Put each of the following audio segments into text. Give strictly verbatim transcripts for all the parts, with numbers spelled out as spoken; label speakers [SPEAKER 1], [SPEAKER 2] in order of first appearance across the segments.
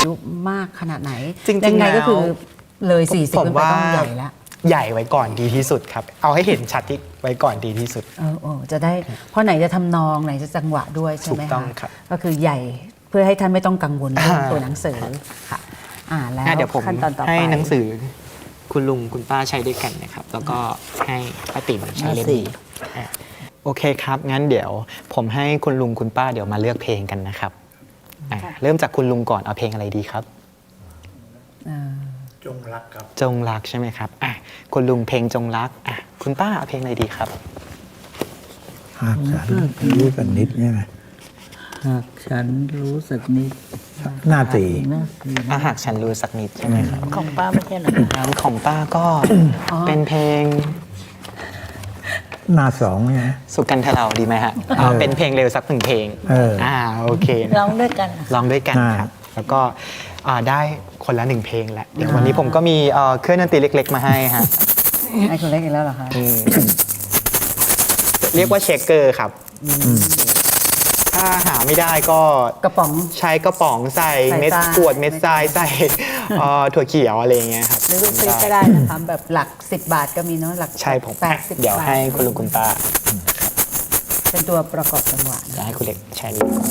[SPEAKER 1] ยุมากขนาดไหน
[SPEAKER 2] จริงๆ
[SPEAKER 1] ยังไงก็คือ
[SPEAKER 2] แล้ว
[SPEAKER 1] เลยสี่สิบ
[SPEAKER 2] ผม
[SPEAKER 1] ขึ้นไป
[SPEAKER 2] ว่า
[SPEAKER 1] ต้องใหญ่แล้ว
[SPEAKER 2] ใหญ่ไว้ก่อนดีที่สุดครับ เอาให้เห็นชัดที่ไว้ก่อนดีที่สุด
[SPEAKER 1] เออเออจะได้เพราะไหนจะทำนองไหนจะจังหวะด้วยใช่ไหม
[SPEAKER 2] ถูกต้อ
[SPEAKER 1] คะ
[SPEAKER 2] งครับ
[SPEAKER 1] ก็คือใหญ่เพื่อให้ท่านไม่ต้องกังวลเรื่อง
[SPEAKER 2] อ่า
[SPEAKER 1] ตัวหนังสือค่ะอ่าแล้ว
[SPEAKER 2] อ่ะเดี๋ยวผม
[SPEAKER 1] ขั้นตอนต่อไป
[SPEAKER 2] ให้หนังสือคุณลุงคุณป้าใช้ด้วยกันนะครับ แล้วก็ให้ป้าติ๋มใช้เล่มนี้อ่ะโอเคครับ งั้นเดี๋ยวผมให้คุณลุงคุณป้าเดี๋ยวมาเลือกเพลงกันนะครับอ่ะเริ่มจากคุณลุงก่อนเอาเพลงอะไรดีครับ
[SPEAKER 1] อ่า
[SPEAKER 3] จงรักครับ
[SPEAKER 2] จงรักใช่ไหมครับอ่ะคุณลุงเพลงจงรักอ่ะคุณป้าเอาเพลงอะไรดีครับ
[SPEAKER 3] หากฉันรู้กันนิดใช่ไหม
[SPEAKER 4] หากฉันรู้สึกนิด
[SPEAKER 3] หน้าสี่
[SPEAKER 4] นะสี่
[SPEAKER 2] ถ้าหากฉันรู้สักนิดใช่ไหมครับ
[SPEAKER 4] ของป้าไม่ใช่เหรอ
[SPEAKER 2] งั้นของป้าก็เป็นเพลง
[SPEAKER 3] หน้าสองใช่ไหม
[SPEAKER 2] สุกันทเราดีไหมฮะเอาเป็นเพลงเร็วสักหนึ่งเพลง
[SPEAKER 3] เอออ่
[SPEAKER 2] อ่าโอเคนะ
[SPEAKER 4] ร้องด้วยกัน
[SPEAKER 2] ร้องด้วยกัน
[SPEAKER 3] อ่า
[SPEAKER 2] ครับ แล้วก็อ่าได้คนละหนึ่งเพลงแหละเดี๋ยววันนี้ผมก็มีเอ่อเครื่องดนตรีเล็ก ๆ มาให้ฮะ
[SPEAKER 1] ไอ้คนเล็กอีกแล้วเหรอคะ
[SPEAKER 2] อืมเรียกว่าเชคเกอร์ครับ ถ้าหาไม่ได้ก็
[SPEAKER 1] กระป๋อง
[SPEAKER 2] ใช้กระป๋องใส่
[SPEAKER 1] ใส่
[SPEAKER 2] เม็ด
[SPEAKER 1] ทราย
[SPEAKER 2] กรวดเม็ดทรายใส่เอ่อถั่วเขียวอะไรอย่างเงี้ยครับ
[SPEAKER 1] หรือซื้อก็ได้นะคะแบบหลักสิบบาทก็มีเนาะหลัก
[SPEAKER 2] ใช่ผม
[SPEAKER 1] แปดสิบ
[SPEAKER 2] เดี๋ยว
[SPEAKER 1] บาท
[SPEAKER 2] ให้คุณลุงคุณป้า
[SPEAKER 1] เป็นตัวประกอบจังหวะ
[SPEAKER 2] จะให้คุณเล็กใช้นี้ก่อน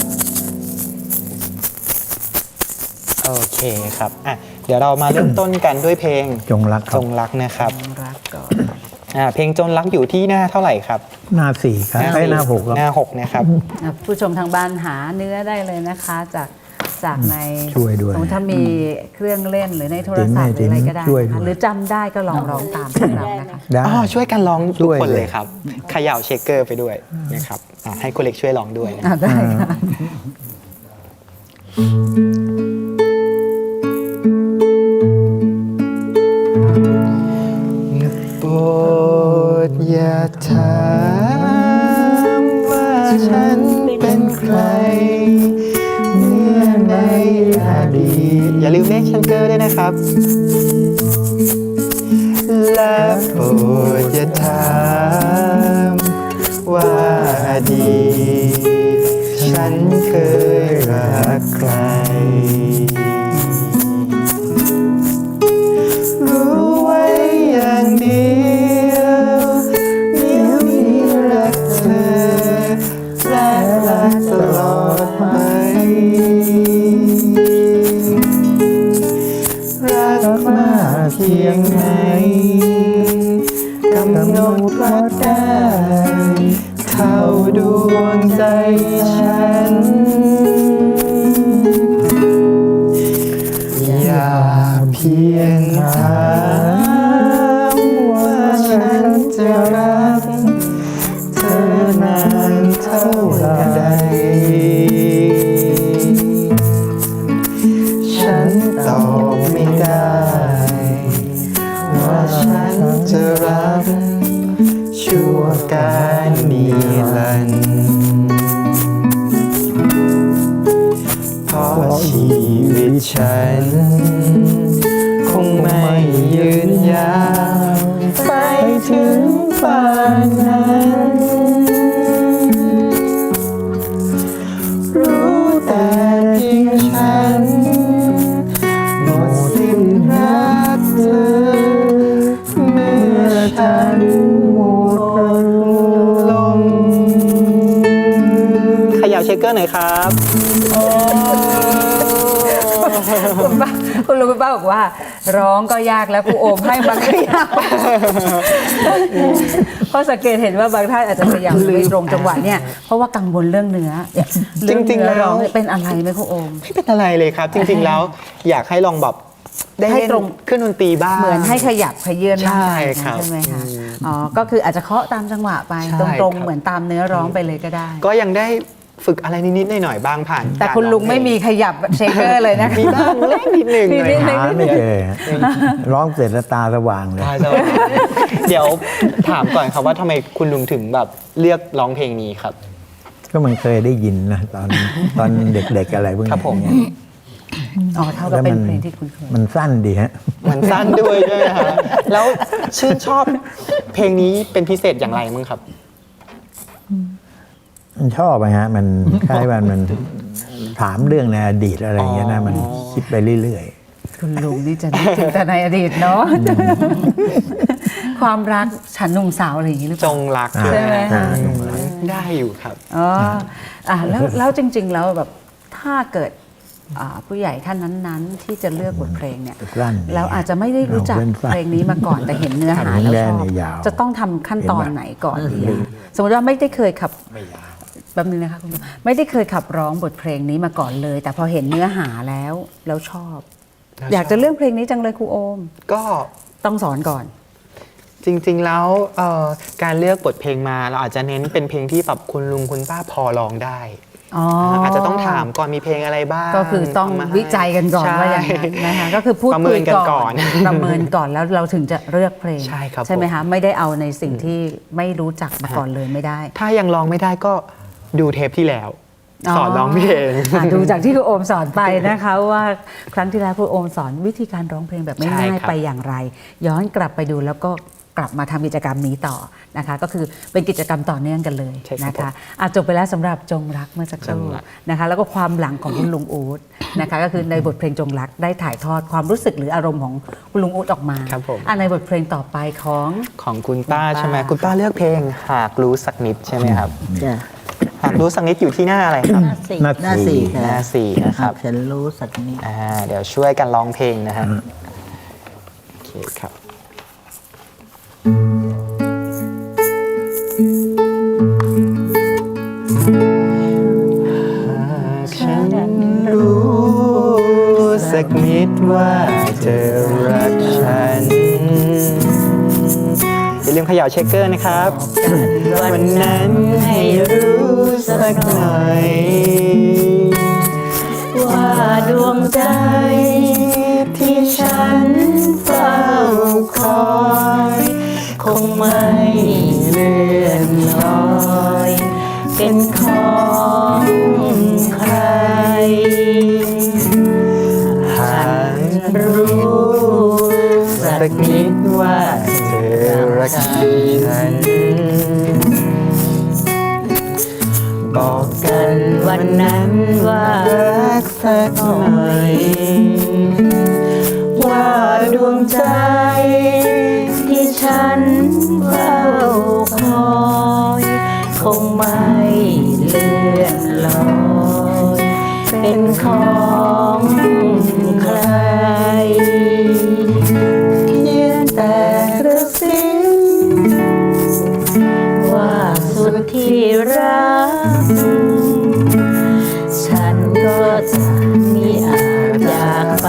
[SPEAKER 2] โอเคครับอ่ะเดี๋ยวเรามาเริ่มต้นกันด้วยเพลง
[SPEAKER 3] จงรักค
[SPEAKER 2] จ
[SPEAKER 3] รับ
[SPEAKER 2] งรักนะครับ
[SPEAKER 1] รักก่อน
[SPEAKER 2] อ่าเพลงจงรักอยู่ที่หน้าเท่าไหร่ครับ
[SPEAKER 3] หน้าสี่ครับไอ้หน้าหกครับ
[SPEAKER 2] หน้าหกนะครับ
[SPEAKER 1] อ่ะผู้ชมทางบ้านหาเนื้อได้เลยนะคะ จากจากใน
[SPEAKER 3] ช่วยด้วย
[SPEAKER 1] สมมุติถ้ามีเครื่องเล่นหรือในโทรศัพท์หรืออะไรก็ได้
[SPEAKER 3] ช่วย
[SPEAKER 1] นะ
[SPEAKER 3] ด้
[SPEAKER 1] คะ
[SPEAKER 3] วย
[SPEAKER 1] หรือจำได้ก็ลองร้องตามพวกเรานะคะ
[SPEAKER 3] ได้
[SPEAKER 2] อ๋อช่วยกันร้องทุก
[SPEAKER 3] ช่วย
[SPEAKER 2] คน
[SPEAKER 3] เลย
[SPEAKER 2] เลยครับเขย่าเชคเกอร์ไปด้วยนะครับอ่ะให้คุณเล็กช่วยร้องด้วยนะ
[SPEAKER 1] อ่ะได้ค่ะ
[SPEAKER 2] โปรดอย่าถามว่าฉันเป็นใครเมื่อในอดีตอย่าลืมเลขเชคเกอร์ด้วยนะครับ และโปรดอย่าถามว่าอดีตฉันเคยรักใคร รู้ไว้อย่างเดียวเดี๋ยวนี้รักเธอและรักตลอดไป รักมากเพียงไหนกำหนดรักได้เข้าดวงใจฉัน อย่าเพียงถามว่าฉันจะรักเธอนานเท่าใด ฉันตอบไม่ได้ ว่าฉันจะรักชั่วการนิรันดร์เพราะชีวิตฉัน คงไม่ยืนยาวไปถึงป่านนั้น รู้แต่เพียงฉันหมดสิ้นรักเธอ เมื่อฉันหมดลมขยับเชคเกอร์หน่อยครับโอ้
[SPEAKER 1] คุณป้าคุณลุงคุณป้าบอกว่า ร้องก็ยากแล้วครูโอมให้มาก็ยากเพราะสังเกตเห็นว่าบางท่านอาจจะพยายามไม่ตรงจังหวะเนี่ยเพราะว่ากังวลเรื่องเนื้อเอ
[SPEAKER 2] จริงๆ
[SPEAKER 1] เนื้อ
[SPEAKER 2] แล้ว
[SPEAKER 1] ร้องเนี่ยเป็นอะไรไหมครูโอม
[SPEAKER 2] ไม่เป็นอะไรเลยครับ จริงๆแล้วอยากให้ลองแบบได้
[SPEAKER 1] ให้
[SPEAKER 2] เล่น
[SPEAKER 1] ตรง
[SPEAKER 2] เครื่องดนตรีบ้าง
[SPEAKER 1] เหมือนให้ขยับขยื่นร่างกาย
[SPEAKER 2] ใช่ครับ
[SPEAKER 1] ใช่ไหมคะ
[SPEAKER 2] อืม
[SPEAKER 1] อ๋อก็คืออาจจะเคาะตามจังหวะไป
[SPEAKER 2] ใช่
[SPEAKER 1] ตรง
[SPEAKER 2] ครั
[SPEAKER 1] ๆ
[SPEAKER 2] บ
[SPEAKER 1] เหมือนตามเนื้อร้องไปเลยก็ได้
[SPEAKER 2] ก็ยังได้ฝึกอะไรนิดๆหน่อยๆบ้างผ่าน
[SPEAKER 1] แต่
[SPEAKER 2] การ
[SPEAKER 1] คุณลุง
[SPEAKER 2] ร้อเพ
[SPEAKER 1] ไม่มีขยับเชคเกอร์เลยนะคะ
[SPEAKER 2] มีบ้างเล็กนิดหนึ่ง
[SPEAKER 1] มี
[SPEAKER 2] หน่อย
[SPEAKER 1] นิดหนึ่ง
[SPEAKER 3] หาไม่เจอร้องเสร็จแล้วตาสว่างเลย
[SPEAKER 2] ใช่ใช่เดี๋ยวถามก่อนครับว่าทำไมคุณลุงถึงแบบเลือกร้องเพลงนี้ครับ
[SPEAKER 3] ก็มันเคยได้ยินนะตอนตอนเด็กๆอะไรพวก
[SPEAKER 2] ครับ
[SPEAKER 3] นี้
[SPEAKER 2] ผม
[SPEAKER 3] เนี่ย
[SPEAKER 1] อ๋อเท่ากับเป็นเพลงที่คุณเคย
[SPEAKER 3] มันสั้นดีฮะ
[SPEAKER 2] มันสั้นด้วยใช่ไหมครับแล้วชื่นชอบเพลงนี้เป็นพิเศษอย่างไรมั้งครับ
[SPEAKER 3] มันชอบไปฮะ มันคล้ายว่ามันถามเรื่องในอดีตอะไรอย่างเงี้ยนะ
[SPEAKER 2] อ๋อ
[SPEAKER 3] มันคิดไปเรื่อย
[SPEAKER 1] คุณลุงนี่จะนึกถึงแต่ในอดีตเนาะ ความรักฉันหนุ่มสาวอะไรอย่างนี้หรือเป
[SPEAKER 2] จ
[SPEAKER 1] ล่า
[SPEAKER 2] งรัก
[SPEAKER 3] อ่า
[SPEAKER 1] ใช่ไหมคะ
[SPEAKER 2] ได้อยู่ครับ
[SPEAKER 1] อ๋ออ่ะแล้วแล้วจริง ๆ แล้วแบบถ้าเกิดอ่าผู้ใหญ่ท่านนั้นๆ ที่จะเลือกบทเพลงเนี่ย
[SPEAKER 3] ๆสั้น
[SPEAKER 1] แล้วอาจจะไม่ได้รู้จัก
[SPEAKER 3] เอาเป็นสั้น
[SPEAKER 1] เพลงนี้มาก่อนแต่เห็นเนื้อหา
[SPEAKER 3] หาง
[SPEAKER 1] แล้ว
[SPEAKER 3] แด
[SPEAKER 1] ช
[SPEAKER 3] ง
[SPEAKER 1] อบ
[SPEAKER 3] เนี่ยยาว
[SPEAKER 1] จะต้องทำขั้นตอนไหนก่อนดีอะสมมติว่าไม่ได้เคยขับแป๊บนึงนะคะคุณลุงไม่ได้เคยขับร้องบทเพลงนี้มาก่อนเลย แต่พอเห็นเนื้อหาแล้วแล้วชอบ
[SPEAKER 2] แล้ว
[SPEAKER 1] อยากจะเลือกเพลงนี้จังเลยครูโอม
[SPEAKER 2] ก็
[SPEAKER 1] ต้องสอนก่อน
[SPEAKER 2] จริงๆแล้วเอ่อการเลือกบทเพลงมาเราอาจจะเน้นเป็นเพลงที่แบบคุณลุงคุณป้าพอร้องได้
[SPEAKER 1] อ๋อ
[SPEAKER 2] อาจจะต้องถามก่อนมีเพลงอะไรบ้าง
[SPEAKER 1] ก็คือต้อง
[SPEAKER 2] เามาให้
[SPEAKER 1] วิจัยกันก่อน
[SPEAKER 2] ใช่
[SPEAKER 1] ว่าอย่างนั้นนะคะก็คือพูด
[SPEAKER 2] ประเมิ
[SPEAKER 1] คุย
[SPEAKER 2] นกันก่
[SPEAKER 1] ก่
[SPEAKER 2] อ
[SPEAKER 1] อน น ประเมินก่อนแล้วเราถึงจะเลือกเพลง
[SPEAKER 2] ใช่ครับ
[SPEAKER 1] ใช่ไหม
[SPEAKER 2] ผม
[SPEAKER 1] คะไม่ได้เอาในสิ่งที่ไม่รู้จักมาก่อนเลยไม่ได้
[SPEAKER 2] ถ้ายังร้องไม่ได้ก็ดูเทปที่แล้ว สอนร้องเพลง
[SPEAKER 1] อ่ะดูจากที่ครูโอมสอนไปนะคะว่าครั้งที่แล้วครูโอมสอนวิธีการร้องเพลงแบบไม่
[SPEAKER 2] ใช่
[SPEAKER 1] ง่าย
[SPEAKER 2] ครับ
[SPEAKER 1] ไปอย่างไร ย้อนกลับไปดูแล้วก็กลับมาทำกิจกรรมนี้ต่อนะคะ ก็คือเป็นกิจกรรมต่อเนื่องกันเลย
[SPEAKER 2] ใช่ครับ
[SPEAKER 1] นะคะอ่ะจบไปแล้วสำหรับจงรักเมื่อสักครู่
[SPEAKER 2] จงรัก
[SPEAKER 1] นะคะ แล้วก็ความหลังของคุณลุงอู๊ดนะคะ ก็คือในบทเพลงจงรักได้ถ่ายทอดความรู้สึกหรืออารมณ์ของคุณลุงอู๊ดออกมา
[SPEAKER 2] ครับผม
[SPEAKER 1] อ่ะในบทเพลงต่อไปของ
[SPEAKER 2] ของคุณป้า
[SPEAKER 1] คุณป้า
[SPEAKER 2] ใช่ไหมคุณป้าเลือกเพลงหากรู้สักนิดใช่ไหมครับ
[SPEAKER 4] จ้ะ
[SPEAKER 2] หากรู้สักนิดอยู่ที่หน้าอะไรครับ
[SPEAKER 4] หน้าสี่
[SPEAKER 3] หน้า
[SPEAKER 4] หน้าสี่
[SPEAKER 3] สี่
[SPEAKER 2] หน้าสี่นะครับ
[SPEAKER 4] หากฉันรู้สักนิด
[SPEAKER 2] อ่าเดี๋ยวช่วยกันร้องเพลงนะฮะโอเคครับหากฉันรู้สักนิดว่าเธอรักฉัน อย่าลืมเขย่าเช็คเกอร์นะครับ วันนั้นให้รู้สักหน่อย
[SPEAKER 4] ว่าดวงใจที่ฉันเฝ้าคอย คงไม่เลื่อนลอย เป็นของใคร
[SPEAKER 2] หากรู้สักนิดว่าเธอรักฉัน บอกกันวันนั้นว่ารักสักหน่อย ว่าดวงใจที่ฉันเฝ้าคอย คงไม่เลื่อนลอย เป็นของใครเพียงแต่กระซิบว่าสุดที่รัก ฉันก็จะมีอาจจากไป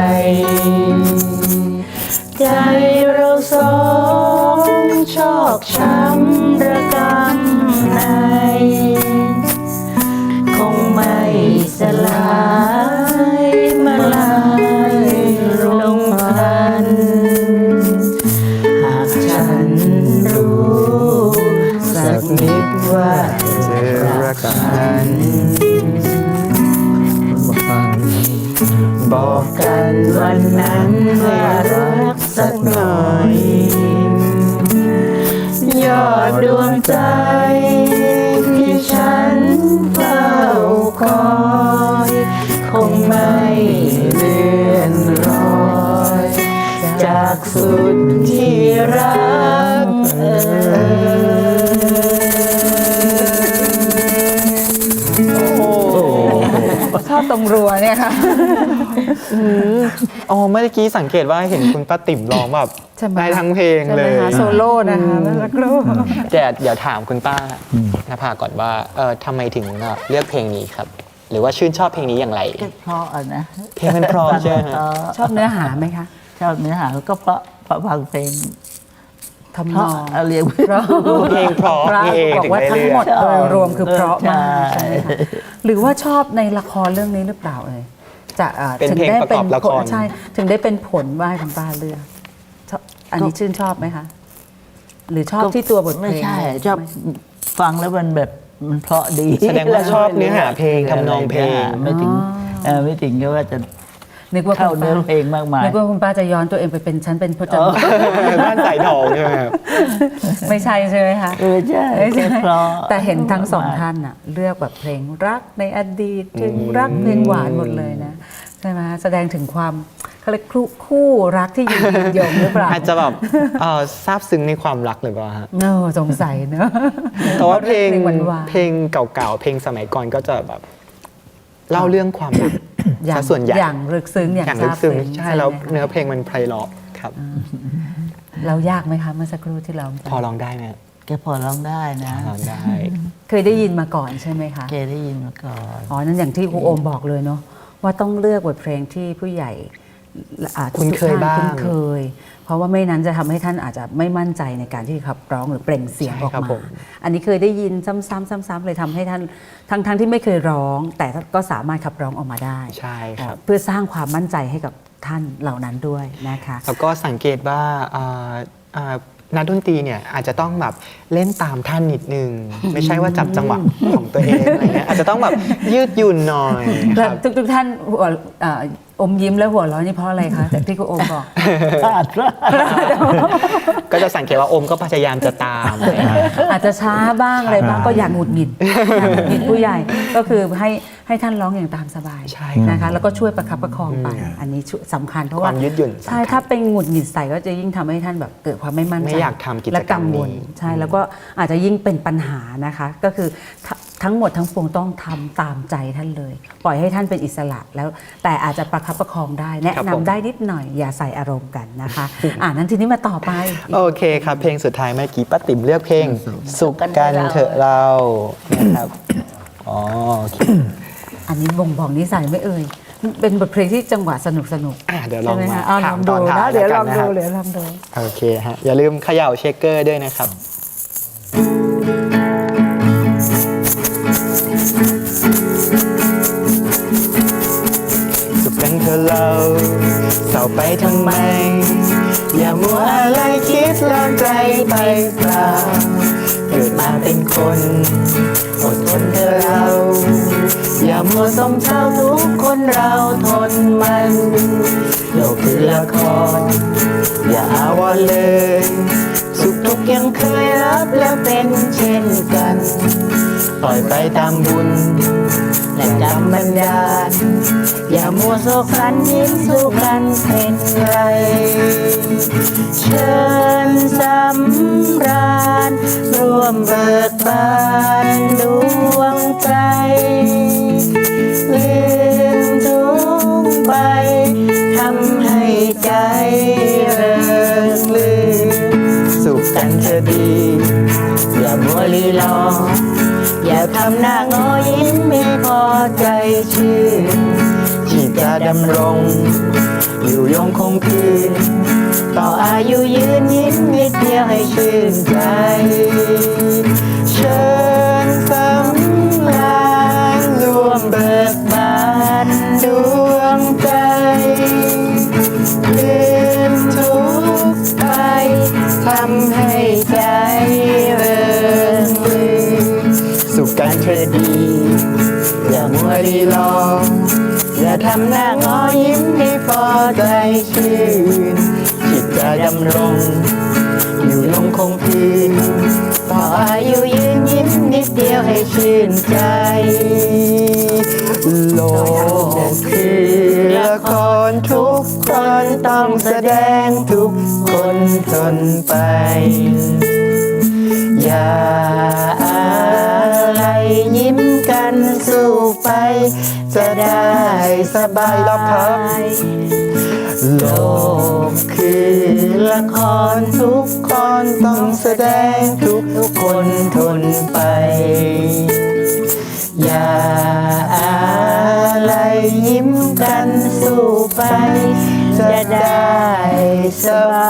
[SPEAKER 2] ใจเราสองชอกช้ำระกำใน คงไม่สลายมาลายลงพลัน หากฉันรู้สักนิดว่าเธอรักฉัน บอกกันวันนั้นว่ารักสักหน่อย ยอดดวงใจที่ฉันเฝ้าคอย คงไม่เลื่อนลอย จากสุดที่รักเอ่ย
[SPEAKER 1] ชอบตรงรัวเนี่ยค่ะ
[SPEAKER 2] อ๋อเมื่อกี้สังเกตว่าเห็นคุณป้าติ๋มร้องแบบ
[SPEAKER 1] ใช่ไหม
[SPEAKER 2] ได้ทั้งเพลง
[SPEAKER 1] ใช่
[SPEAKER 2] เล
[SPEAKER 1] ไหม
[SPEAKER 2] ย
[SPEAKER 1] คะโซโล่นะคะแล้วสักครู่
[SPEAKER 2] แต่เดี๋ยวถามคุณป้านภาก่อนว่าเออทำไมถึงเลือกเพลงนี้ครับ หรือว่าชื่นชอบเพลงนี้อย่างไร
[SPEAKER 4] ก็เพราะอะนะ
[SPEAKER 2] เพลงมันเพราะใช่ไหมฮะ
[SPEAKER 4] เพราะ
[SPEAKER 1] ชอบเนื้อหาไหมคะ
[SPEAKER 4] ชอบเนื้อหาก็เพราะเพราะฟังเพลง
[SPEAKER 1] ทำ
[SPEAKER 4] เพ
[SPEAKER 1] น
[SPEAKER 4] ราะ
[SPEAKER 1] อง
[SPEAKER 4] เอาเรียก
[SPEAKER 1] เพราะ
[SPEAKER 2] เพลงเพราะ
[SPEAKER 1] พระ
[SPEAKER 2] นี่เอง
[SPEAKER 1] บอก
[SPEAKER 2] ถึง
[SPEAKER 1] ว่า
[SPEAKER 2] ได้
[SPEAKER 1] ทั้ง
[SPEAKER 2] เลื
[SPEAKER 1] หม
[SPEAKER 2] อ
[SPEAKER 1] ด
[SPEAKER 2] ก
[SPEAKER 1] โดยรวมคือเพราะมาก
[SPEAKER 4] ใช่
[SPEAKER 1] ใช่ไหมคะหรือว่าชอบในละครเรื่องนี้หรือเปล่าเอ่ยจะอ่อ
[SPEAKER 2] เป็นเพลงประกอบละคร
[SPEAKER 1] ใช่ถึงได้เป็นผลว่าให้คุณป้าเลือกชอบอันนี้ชื่นชอบไหมคะ หรือชอบที่ตัวบทเพลง
[SPEAKER 4] ไม่ใช่ชอบฟังแล้วมันแบบมันเพราะดี
[SPEAKER 2] แสดงว่าชอบเนื้อหาเพลงทำนองเพลง
[SPEAKER 4] ไม่ถึงเออไม่ถึงก็ว่าจะ
[SPEAKER 1] นึกว่า
[SPEAKER 4] เข้า
[SPEAKER 1] คุณ
[SPEAKER 4] เนื้
[SPEAKER 1] ป้า
[SPEAKER 4] อเพลงมากมาย
[SPEAKER 1] นึกว่าคุณป้าจะย้อนตัวเองไปเป็นฉันเป็นพจน์
[SPEAKER 2] บ้านสายทองใช่ไหมครับ
[SPEAKER 1] ไม่ใช่ใช่ไหมคะ
[SPEAKER 4] เออใช่
[SPEAKER 1] ไม่ใช่
[SPEAKER 4] เพราะ
[SPEAKER 1] แต่เห็นทั้งสองท่านน่ะเลือกแบบเพลงรักในอดีตเพลงรักเพลงหวานหมดเลยนะใช่ไหมแสดงถึงความเขาเรียกคู่คู่รักที่อยู่ยืนยงหรือเปล่า
[SPEAKER 2] อาจจะแบบเอ่อซาบซึ้งในความรักหรือเปล่าฮะ
[SPEAKER 1] เนอะสงสัยเนอะ
[SPEAKER 2] แต่ว่าเพลง
[SPEAKER 1] หวานหวาน
[SPEAKER 2] เพลงเก่าๆเพลงสมัยก่อนก็จะแบบเล่าเรื่องความรัก
[SPEAKER 1] อย่าง
[SPEAKER 2] ซะส่วนใหญ่
[SPEAKER 1] อย่างลึกซึ้งอย่าง
[SPEAKER 2] อย่าง
[SPEAKER 1] ซา
[SPEAKER 2] ลึ
[SPEAKER 1] บ
[SPEAKER 2] กซึ้ง
[SPEAKER 1] ซึ้ง
[SPEAKER 2] ใช่แล้ว
[SPEAKER 1] ไหมคะ
[SPEAKER 2] เนื้อเพลงมันไพเราะครับ
[SPEAKER 1] เรายากไหมคะเมื่อสักครู่ที่เรา
[SPEAKER 2] พอร้องได้ไหม
[SPEAKER 4] แกพอร้องได้นะ
[SPEAKER 2] พอร้องได้
[SPEAKER 1] เคยได้ยินมาก่อนใช่ไหมคะ
[SPEAKER 4] แกได้ยินมาก่อน
[SPEAKER 1] อ๋อนั่นอย่างที่ครูโอมบอกเลยเนาะว่าต้องเลือกบทเพลงที่ผู้ใหญ่อ่า
[SPEAKER 2] คุ้นเคย
[SPEAKER 1] ทุกท่
[SPEAKER 2] บ้าง
[SPEAKER 1] คุ้นเคย เพราะว่าไม่นั้นจะทำให้ท่านอาจจะไม่มั่นใจในการที่ขับร้องหรือเปล่งเสียงออก
[SPEAKER 2] ใช่ครับ
[SPEAKER 1] มา
[SPEAKER 2] ผม
[SPEAKER 1] อันนี้เคยได้ยินซ้ำๆซ้ำๆเลยทำให้ท่านทั้งทั้งที่ไม่เคยร้อง แต่ก็สามารถขับร้องออกมาได้
[SPEAKER 2] ใช่ครับ
[SPEAKER 1] เพื่อสร้างความมั่นใจให้กับท่านเหล่านั้นด้วยนะคะ
[SPEAKER 2] แล้วก็สังเกตว่าอ่าอ่านักดนตรีเนี่ยอาจจะต้องแบบเล่นตามท่านนิดนึง ไม่ใช่ว่าจับจังหวะของตัวเองอะไรเงี้ยอาจจะต้องแบบยืดหยุ่นหน่อยค
[SPEAKER 1] แล้
[SPEAKER 2] รั
[SPEAKER 1] ว
[SPEAKER 2] บ
[SPEAKER 1] ทุกทุกๆท่านหัวเอ่ออมยิ้มและหัวเร้อนนี่เพราะอะไรคะแต่ที่ครูโอมบอก
[SPEAKER 4] พลาดพลาด
[SPEAKER 2] ก็จะสังเกตว่าโอมก็พยายามจะตามอะไรเงี้ย
[SPEAKER 1] อาจจะช้าบ้างอะไรบ้างก็อย่างหงุดหงิดอย่างหงุดหงิดผู้ใหญ่ก็คือให้ให้ท่านร้องอย่างตามสบาย
[SPEAKER 2] ใช่ครับ
[SPEAKER 1] นะคะแล้วก็ช่วยประคับประคองไป อันนี้ช่วยสำคัญเพราะว่าว
[SPEAKER 2] คามยืดหยุ่นสำคัญ
[SPEAKER 1] ใช่ถ้าเป็นหงุดหงิดใส่ก็จะยิ่งทำให้ท่านแบบเกิดความไม่มั่นใจ
[SPEAKER 2] ไม่อยากทำกิจกรรม
[SPEAKER 1] และกังวล
[SPEAKER 2] นี้
[SPEAKER 1] ใช่แล้วก็อาจจะยิ่งเป็นปัญหานะคะ ก็คือททั้งหมดทั้งปวงต้องทำตามใจท่านเลย ปล่อยให้ท่านเป็นอิสระแล้วแต่อาจจะประคับประคองได้ แนะ
[SPEAKER 2] ครับ
[SPEAKER 1] นำ
[SPEAKER 2] ผม
[SPEAKER 1] ได้นิดหน่อยอย่าใส่อารมณ์กันนะคะ อ่านั้นทีนี้มาต่อไป
[SPEAKER 2] โอเคครับ เพลงสุดท้ายเมื่อกี้ป้าติ๋มเลือกเพลง สุขกันเถอะเรานะครับอ๋อโอเค
[SPEAKER 1] อันนี้บ่งบอกนิสัยไม่เอ่ย เป็นบทเพลงที่จังหวะสนุกสนุก
[SPEAKER 2] อ่ะเดี๋ยวลอง
[SPEAKER 1] ใช่ไหม
[SPEAKER 2] มา
[SPEAKER 1] คะอ้าวล
[SPEAKER 2] ถา
[SPEAKER 1] อ
[SPEAKER 2] ม
[SPEAKER 1] ง
[SPEAKER 2] ต
[SPEAKER 1] ดู
[SPEAKER 2] อนท้า
[SPEAKER 1] นะ
[SPEAKER 2] ย
[SPEAKER 1] เดี๋ยวล
[SPEAKER 2] แล้
[SPEAKER 1] อ
[SPEAKER 2] ว
[SPEAKER 1] ง
[SPEAKER 2] กันนะค
[SPEAKER 1] ดู
[SPEAKER 2] รับ
[SPEAKER 1] เดี๋ยวลองดู
[SPEAKER 2] โอเคฮะอย่าลืมเขย่าเชคเกอร์ด้วยนะครับ สุขกันเถอะเราเศร้าไปทำไม อย่ามัวอะไรคิดลอนใจไปเปล่าเกิดมาเป็นคนอดทนเถอะเรา อย่ามัวสมเศร้าทุกคนเราทนมันโลกคือละคร อย่าอาวรณ์เลย สุขทุกข์ยังเคยรับและเป็นเช่นกัน ปล่อยไปตามบุญ และกรรมบันดาล อย่ามัวโศกสันยิ้มสู้กันเป็นไร เชิญสำราญร่วมเบิกบานดวงใจลืมทุกข์ไปทำให้ใจเริงรื่นสุขกันเธอดี อย่ามัวลีลอ อย่าทำหน้างอยิ้มไม่พอใจชื่นที่จะดำรง อยู่ยงคงคืน ต่ออายุยืนยิ้มนิดเดียวให้ชื่นใจ เชิญสำราญรวมเบิกบานดวงใจลืมทุกข์ไปทำให้ใจเริงรื่นสุขกันเธอดี อย่ามัวรีรอ อย่าทำหน้างอยิ้มให้พอใจชื่นจิตจะดำรง อยู่ลงคงคืน ต่ออายุยืนยิ้มนิดเดียวให้ชื่นใจ โลกคือละครทุกคนต้องแสดงทุกคนทนไป อย่าอะไรยิ้มกันสู้ไป จะได้สบายแล้วครับ โลกคือละครทุกคนต้องแสดงทุกคนทนไป อย่าอะไรยิ้มกันสู้ไป จะได้สบาย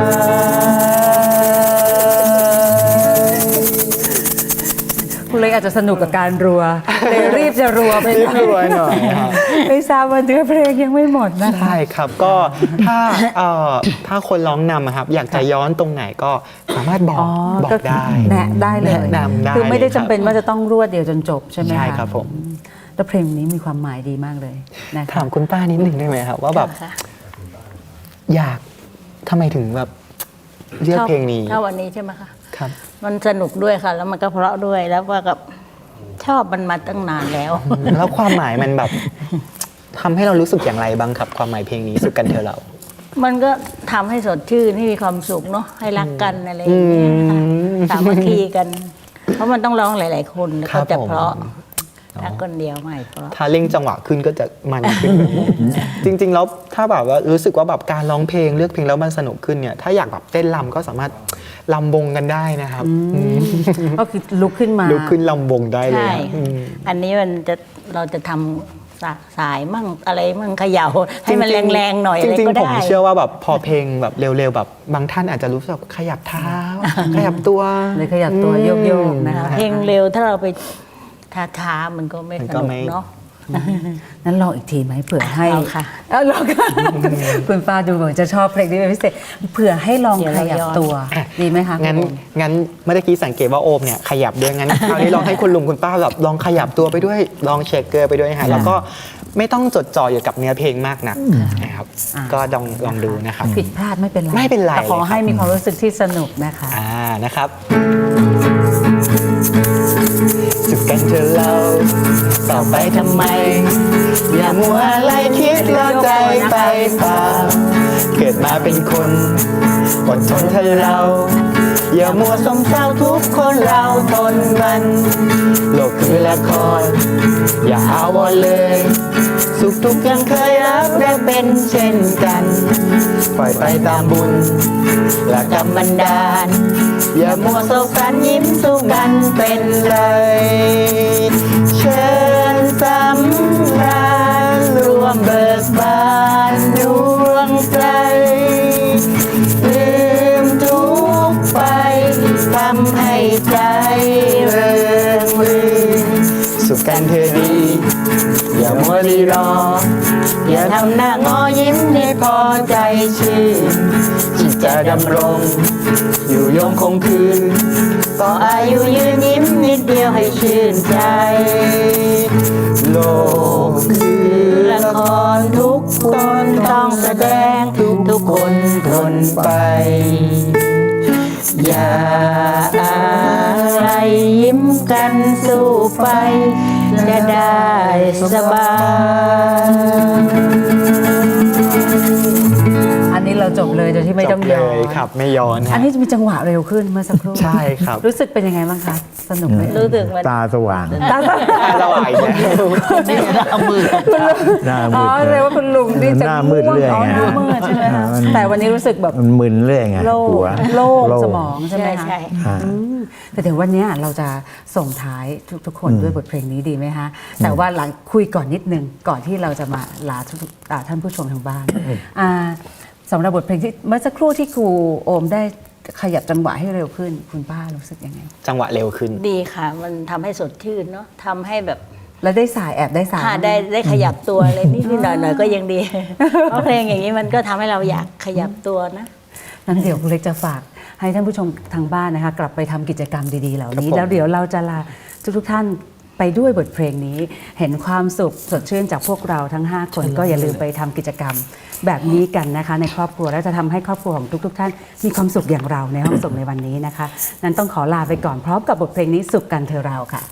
[SPEAKER 1] คุณเล็กอาจจะสนุกกับการรัวเลยรีบจะรัวไป
[SPEAKER 2] รีบรัวหน่อยครับ
[SPEAKER 1] ไม่ทราบว่าเนื้อเพลงยังไม่หมดนะคะ
[SPEAKER 2] ใช่ครับก็ถ้าเอ่อถ้าคนร้องนำอะครับ อยากจะย้อนตรงไหนก็สามารถบอก
[SPEAKER 1] อ๋อ
[SPEAKER 2] บอกได้
[SPEAKER 1] แนะได้เลย
[SPEAKER 2] แนะนำได้
[SPEAKER 1] คือไม่ได้
[SPEAKER 2] ลยรับ
[SPEAKER 1] จำเป็นว่าจะต้องรวดเดียวจนจบใช่ไหมคะ
[SPEAKER 2] ใช่ครับผม
[SPEAKER 1] แล้วเพลงนี้มีความหมายดีมากเลยนะคะ
[SPEAKER 2] ถามคุณป้านิดหนึ่งได้ไหมครับว่าแบบ
[SPEAKER 4] ค่ะ
[SPEAKER 2] อยากทำไมถึงแบบเลือกเพลงนี้
[SPEAKER 4] ถ้าวันนี้ใช่ไหมคะ
[SPEAKER 2] ครับ
[SPEAKER 4] มันสนุกด้วยค่ะ แล้วมันก็เพราะด้วยแล้วว่ากับชอบมันมาตั้งนานแล้ว
[SPEAKER 2] แล้วความหมายมันแบบทำให้เรารู้สึกอย่างไรบ้างครับความหมายเพลงนี้สุขกันเธอเรา
[SPEAKER 4] มันก็ทำให้สดชื่นให้มีความสุขเนาะให้รักกันอะไรอย่างเงี้ยค่ะ
[SPEAKER 2] อืม
[SPEAKER 4] สามัคคีกัน เพราะมันต้องร้องหลาย ๆ คนแล้ว
[SPEAKER 2] ครั
[SPEAKER 4] ก็
[SPEAKER 2] บ
[SPEAKER 4] จะ
[SPEAKER 2] ผม
[SPEAKER 4] เพราะถ้าคนเดียวไม่เพราะ
[SPEAKER 2] ถ้าเร่งจังหวะขึ้นก็จะมันขึ้น จริง ๆ แล้วถ้าแบบว่ารู้สึกว่าแบบการร้องเพลงเลือกเพลงแล้วมันสนุกขึ้นเนี่ยถ้าอยากแบบเต้นรำก็สามารถลำวงกันได้นะครับ
[SPEAKER 1] ก็คือลุกขึ้นมา
[SPEAKER 2] ลุกขึ้นลำวงได้เลย
[SPEAKER 4] ใช่
[SPEAKER 2] ครับอืม
[SPEAKER 4] อันนี้มันจะเราจะทำสาสายมั่งอะไรมั่งเขย่าให้มัน
[SPEAKER 2] จริงๆ
[SPEAKER 4] แรงๆหน่อย
[SPEAKER 2] จ
[SPEAKER 4] อะไร
[SPEAKER 2] ริง
[SPEAKER 4] ก็
[SPEAKER 2] ๆผม
[SPEAKER 4] ได้
[SPEAKER 2] เชื่อว่าแบบพอเพลงแบบเร็วๆแบบบางท่านอาจจะรู้สึกขยับเท้า ขยับตัว
[SPEAKER 1] เลยขยับตัวโยกๆนะคะ
[SPEAKER 4] เพลงเร็วถ้าเราไปช้าๆมันก็ไม่
[SPEAKER 2] มัน
[SPEAKER 4] ส
[SPEAKER 2] ก็
[SPEAKER 4] นุก
[SPEAKER 2] ไม่
[SPEAKER 4] เนาะ
[SPEAKER 1] นั้นลองอีกทีไหมเผื่อให้
[SPEAKER 4] เอาค่ะ
[SPEAKER 1] เอาลองค่ะ คุณป้าดูเหมือนจะชอบเพลงนี้เป็นพิเศษเผื่อให้ลอง
[SPEAKER 4] เดี๋ยว
[SPEAKER 1] ข
[SPEAKER 4] เรา
[SPEAKER 1] ยับ
[SPEAKER 4] ย้อน
[SPEAKER 1] ตัวดีไหมคะ
[SPEAKER 2] งั้น
[SPEAKER 1] คุณโอม
[SPEAKER 2] งั้นเมื่อกี้สังเกตว่าโอมเนี่ยขยับด้วยงั้น คราวนี้ลองให้คุณลุงคุณป้าแบบลองขยับตัวไปด้วยลองเช็คเกอร์ไปด้วยฮะแล้วก็ไม่ต้องจดจ่ออยู่กับเนื้อเพลงมากนักนะครับ
[SPEAKER 1] อ่า
[SPEAKER 2] ก็ลองลองดูนะครับ
[SPEAKER 1] ผิดพลาดไม่เป็นไร
[SPEAKER 2] ไม่เป็นไร
[SPEAKER 1] แต่ขอ
[SPEAKER 2] เลยครับ
[SPEAKER 1] ให้มีความรู้สึกที่สนุกนะคะ
[SPEAKER 2] อ่านะครับสุขกันเธอเราต่อไปทำไม อย่ามัวอะไรคิดแล้วใจไปเปล่าเกิดมาเป็นคนอดทนเธอเรา อย่ามัวสมเศร้าทุกคนเราทนมันโลกคือละครอย่าเอาวอนเลย สุขทุกข์ยังเคยรักและเป็นเช่นกันปล่อยไปตามบุญและกรรมบันดาลอย่ามัวโศกสันยิ้มสู้กันเป็นเลยเชิญสำราญรวมเบิกบานดวงใจลืมทุกข์ไปทำให้ใจเริงรื่นสุขกันเธอดีอย่ามัวรีรออย่าทำหน้างอยิ้มให้พอใจชื่นที่จะดำรงอยู่ยงคงคืนก็อายุยืนยิ้มนิดเดียวให้ชื่นใจโลกคือละครทุกคนต้องแสดงทุกคนทนไปอย่าอะไรยิ้มกันสู้ไปจะได้สบาย
[SPEAKER 1] อันนี้เราจบเลยโดยที่ไม่ต้อง
[SPEAKER 2] จบ
[SPEAKER 1] ย้อ
[SPEAKER 2] เลย
[SPEAKER 1] น
[SPEAKER 2] ครับไม่ย้อน
[SPEAKER 1] อันนี้จะมีจังหวะเร็วขึ้นเมื่อสักครู่
[SPEAKER 2] ใช่ครับ
[SPEAKER 1] รู้สึกเป็นยังไงบ้างคะ สนุกไหม
[SPEAKER 4] รู้สึกมัน
[SPEAKER 3] ตาสว่าง
[SPEAKER 1] ตาส
[SPEAKER 2] สว่างแล้ว
[SPEAKER 4] เอามือ
[SPEAKER 3] หน้า
[SPEAKER 1] อ๋
[SPEAKER 3] มื
[SPEAKER 1] อ
[SPEAKER 3] ด
[SPEAKER 1] เรียกว่าคุณลุงนี่จะ
[SPEAKER 3] หน้ามืด
[SPEAKER 1] ง่วง
[SPEAKER 3] เรื่อย
[SPEAKER 1] อ๋อ
[SPEAKER 3] ไง
[SPEAKER 1] หน้ามืดใช่ไหมคะ
[SPEAKER 3] มัน
[SPEAKER 1] แต่วันนี้รู้สึกแบบ
[SPEAKER 3] มันมึนเรื่อยไง
[SPEAKER 1] โล่ง
[SPEAKER 3] หัว
[SPEAKER 1] โล่ง
[SPEAKER 3] โล่
[SPEAKER 1] สมองใช่ไหม
[SPEAKER 4] ใช่
[SPEAKER 1] คะ
[SPEAKER 4] ใช่
[SPEAKER 3] อ่า
[SPEAKER 1] อืมแต่เดี๋ยววันเนี้ยเราจะส่งท้ายทุกๆคนด้วยบทเพลงนี้ดีไหมคะ แต่ว่าหลังคุยก่อนนิดนึงก่อนที่เราจะมาลาทุกๆอ่าท่านผู้ชมทางบ้านอ่าสำหรับบทเพลงที่เมื่อสักครู่ที่ครูโอมได้ขยับจังหวะให้เร็วขึ้น คุณป้ารู้สึกยังไง
[SPEAKER 2] จังหวะเร็วขึ้น
[SPEAKER 4] ดีค่ะ มันทำให้สดชื่นเนาะทำให้แบบ
[SPEAKER 1] แล้วได้สายแอบได้สาย
[SPEAKER 4] ถ้าได้ได้ขยับตัวอะไรนิดๆหน่อยๆก็ยังดี เพราะเพลงอย่างนี้มันก็ทำให้เราอยากขยับตัวนะ
[SPEAKER 1] นั้นเดี๋ยวคุณเล็กจะฝากให้ท่านผู้ชมทางบ้านนะคะ กลับไปทำกิจกรรมดีๆเหล่านี้
[SPEAKER 2] ครับผม
[SPEAKER 1] แล้วเดี๋ยวเราจะลาทุกๆท่านไปด้วยบทเพลงนี้ เห็นความสุขสดชื่นจากพวกเราทั้ง ห้า คนก็อย่าลืมไปทำกิจกรรมแบบนี้กันนะคะ ในครอบครัวแล้วจะทำให้ครอบครัวของทุก ๆ ท่านมีความสุขอย่างเราในห้องส่งในวันนี้นะคะ นั้นต้องขอลาไปก่อนพร้อมกับบทเพลงนี้สุขกันเธอเราค่ะ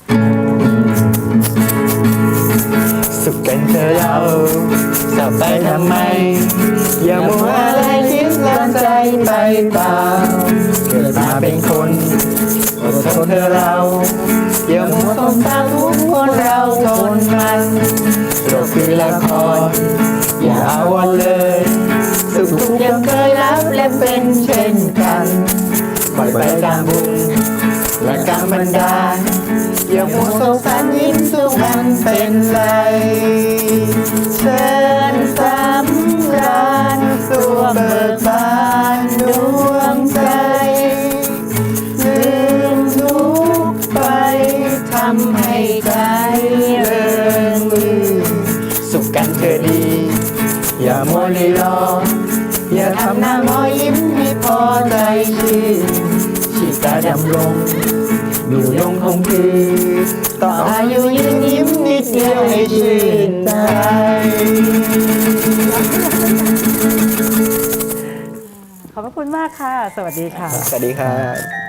[SPEAKER 2] สุขกันเธอเราจะไปทำไม อย่ามัวอะไรคิดแล้วใจไปเปล่าเกิดมาเป็นคนอดทนเธอเรา อย่ามัวสงสารทุกคนเราทนมันโลกคือละครอย่าเอาวันเลยสุขทุกข์ยังเคยรับและเป็นเช่นกันปล่อยไปตามบุญและกรรมบันดาลอย่ามัวสงสารยิ้มสู้มันเป็นไรเชิญสำราญตัวเบิกบานดวงใจลืมทุกข์ไปทำให้ใจเริงรื่นสุขกันเธอดี อย่ามัวรีรออย่าทำหน้างอยิ้มให้พอใจชื่นชีตาดำรงอยู่ยงคงคือต่ออายุยืนยิ้มนิดเดียวให้ชื่นใจ
[SPEAKER 1] ขอบพระคุณมากค่ะ สวัสดีค่ะ
[SPEAKER 2] สวัสดีครับ